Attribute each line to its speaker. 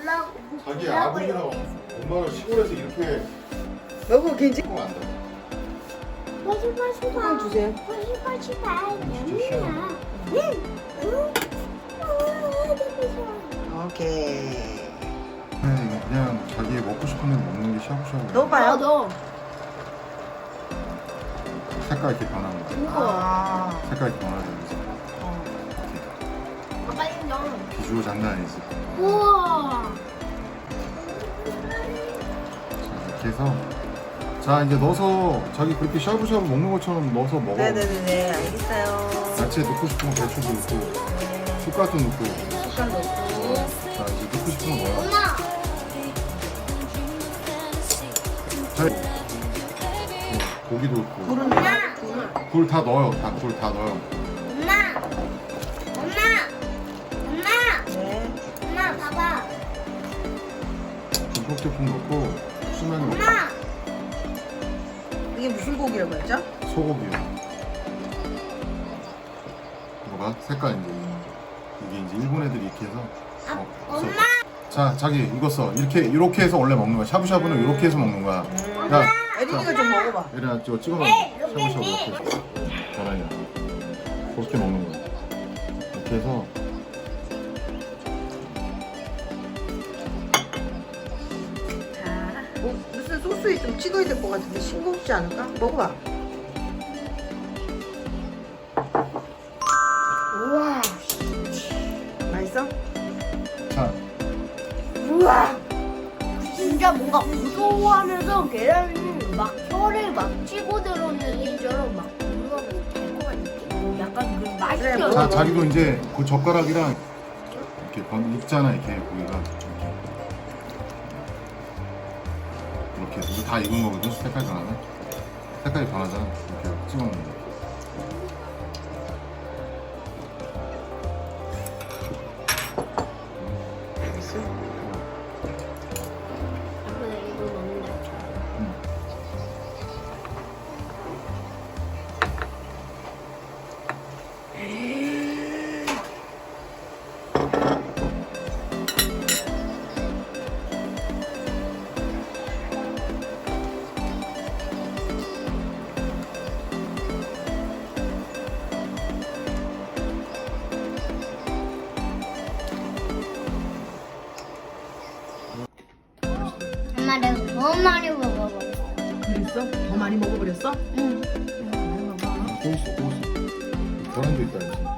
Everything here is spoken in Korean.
Speaker 1: 자기 아버지랑 엄마가 시골에서 이렇게
Speaker 2: 여보 괜찮?
Speaker 1: 하면 안 돼.
Speaker 2: 소금 주세요. 오케이.
Speaker 1: 그냥 자기 먹고 싶은 대로 먹는 게 샤브샤브.
Speaker 2: 넣어봐요.
Speaker 3: 너.
Speaker 1: 색깔 이렇게 변하는 거.
Speaker 2: 아.
Speaker 1: 색깔 이렇게 변하죠.
Speaker 3: 아빠 인정.
Speaker 1: 비주얼 장난 아니지.
Speaker 3: 우와.
Speaker 1: 자, 이렇게 해서 자 이제 넣어서 자기 그렇게 샤브샤브 먹는 것처럼 넣어서 먹어.
Speaker 2: 네네네 알겠어요.
Speaker 1: 야채 넣고 싶으면 배추도 넣고 쑥갓도 넣고.
Speaker 2: 숟갈 넣고.
Speaker 1: 자 이제 넣고 싶은 거 넣어요.
Speaker 3: 엄마.
Speaker 1: 자, 고기도 넣고
Speaker 2: 굴은 굴.
Speaker 1: 굴 다 넣어요. 굴 다 넣어요.
Speaker 2: 네.
Speaker 3: 엄마 봐봐.
Speaker 1: 전복제품 넣고 수면 넣고
Speaker 2: 이게 무슨 고기라고 했죠?
Speaker 1: 소고기요. 이거 봐 색깔 이게 이제 일본 애들이 이렇게 해서 없어. 자 자기 이거 써 이렇게 해서 원래 먹는 거야. 샤브샤브는 이렇게 해서 먹는 거야. 야
Speaker 2: 애린이가 좀 먹어봐.
Speaker 1: 얘들아 찍어 먹어. 샤브샤브 이렇게 해서 계란이야. 그렇게 먹는 거야. 이렇게 해서
Speaker 2: 자, 뭐 무슨 소스에 좀 찍어야 될 것 같은데 싱겁지 않을까? 먹어봐. 우와. 맛있어?
Speaker 1: 자
Speaker 3: 우와. 진짜 뭔가 무서워하면서 계란이 막 혀를 막 치고 들어오는 느낌처럼 막 뭔가 달콤한 느낌? 약간 그 맛이
Speaker 2: 그래,
Speaker 3: 나.
Speaker 1: 자, 자기도 이제 그 젓가락이랑 이렇게 익잖아 이렇게 고기가 이렇게 해서 이거 다 익은 거거든. 색깔 변하네. 색깔이 변하잖아. 이렇게 찍어 먹는 거.
Speaker 2: 맛있어?
Speaker 3: 이거 먹는다. 엄마 내가 너무 많이 먹어버렸어.
Speaker 2: 그랬어? 더 많이 먹어버렸어?
Speaker 3: 응.
Speaker 2: 많이 먹어.
Speaker 1: 또 있어 또 있어. 계란도 있다 이제.